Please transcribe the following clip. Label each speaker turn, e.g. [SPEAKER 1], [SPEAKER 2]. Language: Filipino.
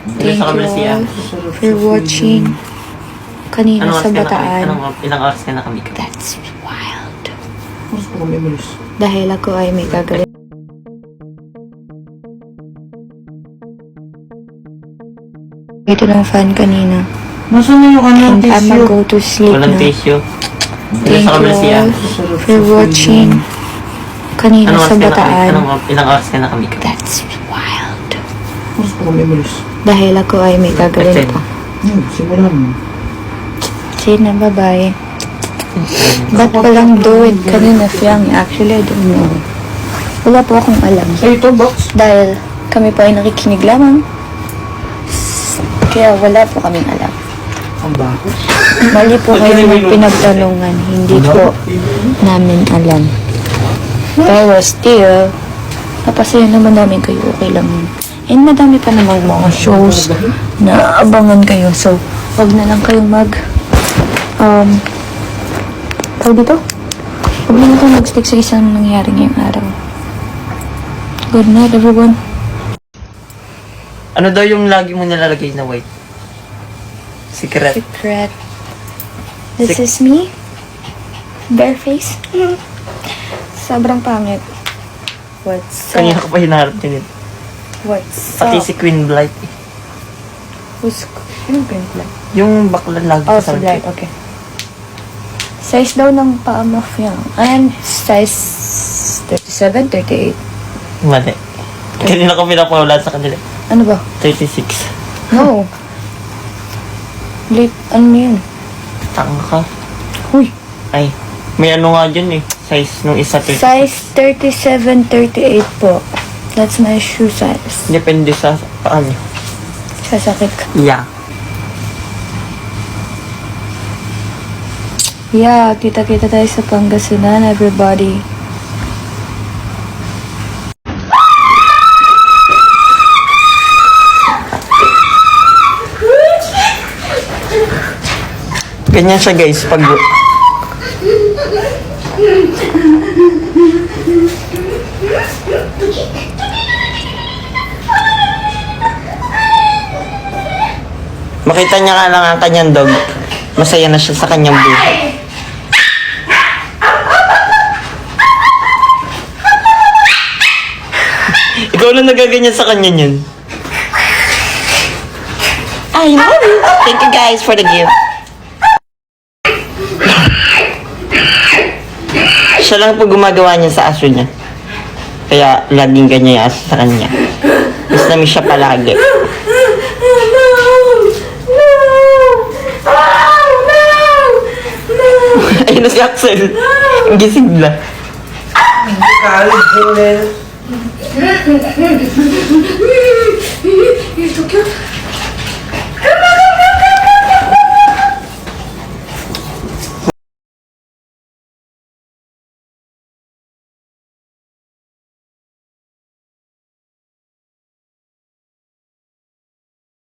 [SPEAKER 1] Thank you all for watching. Kanina sa Bataan.
[SPEAKER 2] Ilang oras ka na kami?
[SPEAKER 1] That's wild.
[SPEAKER 3] Mas ko kami malis.
[SPEAKER 1] Dahil ako ay may gagawin. Ito ng fan kanina.
[SPEAKER 3] Nasaan na yung kanyang
[SPEAKER 1] And I'm
[SPEAKER 3] tissue?
[SPEAKER 1] go to sleep
[SPEAKER 2] Walang
[SPEAKER 1] na.
[SPEAKER 2] tissue.
[SPEAKER 1] Thank you all for watching. Kanina sa Bataan.
[SPEAKER 2] Ilang oras ka na kami?
[SPEAKER 1] That's wild.
[SPEAKER 3] Mas ko kami malis.
[SPEAKER 1] Dahil ako ay may gagawin pa.
[SPEAKER 3] Simulan mo.
[SPEAKER 1] See na, bye-bye. Ba't walang do it kanina, Fiang? Actually, I don't know. Wala po akong alam.
[SPEAKER 3] Ay, ito, box.
[SPEAKER 1] Dahil kami po ay nakikinig lamang. Kaya wala po kaming alam.
[SPEAKER 3] Ang bako.
[SPEAKER 1] Mali po kayo ng pinagtanungan. Hindi po namin alam. Pero still, napasaya naman namin kayo. Okay lang yun. And madami pa namang mga shows na abangan kayo. So, wag na lang kayong tawag dito? Huwag na lang kayong mag-stick sa isang nangyari ngayong araw. Good night, everyone.
[SPEAKER 2] Ano daw yung lagi mo nilalagay na white? Secret.
[SPEAKER 1] Secret. This is me. Bare face. Sobrang pangit. What's
[SPEAKER 2] Kanina
[SPEAKER 1] up?
[SPEAKER 2] ko pa hinaharap din ito.
[SPEAKER 1] What's
[SPEAKER 2] Pati
[SPEAKER 1] up?
[SPEAKER 2] si Queen Blight.
[SPEAKER 1] Who's... Anong print lang?
[SPEAKER 2] Yung bakla lagi
[SPEAKER 1] Oh,
[SPEAKER 2] sa
[SPEAKER 1] si Blight. Okay. Size daw ng paa mo yan. And size 37, 38.
[SPEAKER 2] Mali. Kanina ko pinapawala sa kanila.
[SPEAKER 1] Ano ba?
[SPEAKER 2] 36.
[SPEAKER 1] No. Late, ano yun?
[SPEAKER 2] Tanga ka.
[SPEAKER 1] Huy.
[SPEAKER 2] Ay, may ano nga dyan eh. Size nung isa 36.
[SPEAKER 1] Size 37, 38 po. That's my shoe size.
[SPEAKER 2] Depende sa paano.
[SPEAKER 1] Sasakit ka.
[SPEAKER 2] Yeah.
[SPEAKER 1] Yeah, kita-kita tayo sa Pangasinan, everybody.
[SPEAKER 2] Ganyan siya guys pag... Makita niya nga lang ang kanyang dog. Masaya na siya sa kanyang buhay. Ikaw lang nagaganyan sa kanya yun. I love you. Thank you guys for the gift. Siya lang po gumagawa niya sa aso niya. Kaya laging ganyan yung aso sa kanya. Mas namin siya palagi. Ayun na si Axel. Ang gising na.
[SPEAKER 3] Kalit din.
[SPEAKER 1] You're so cute.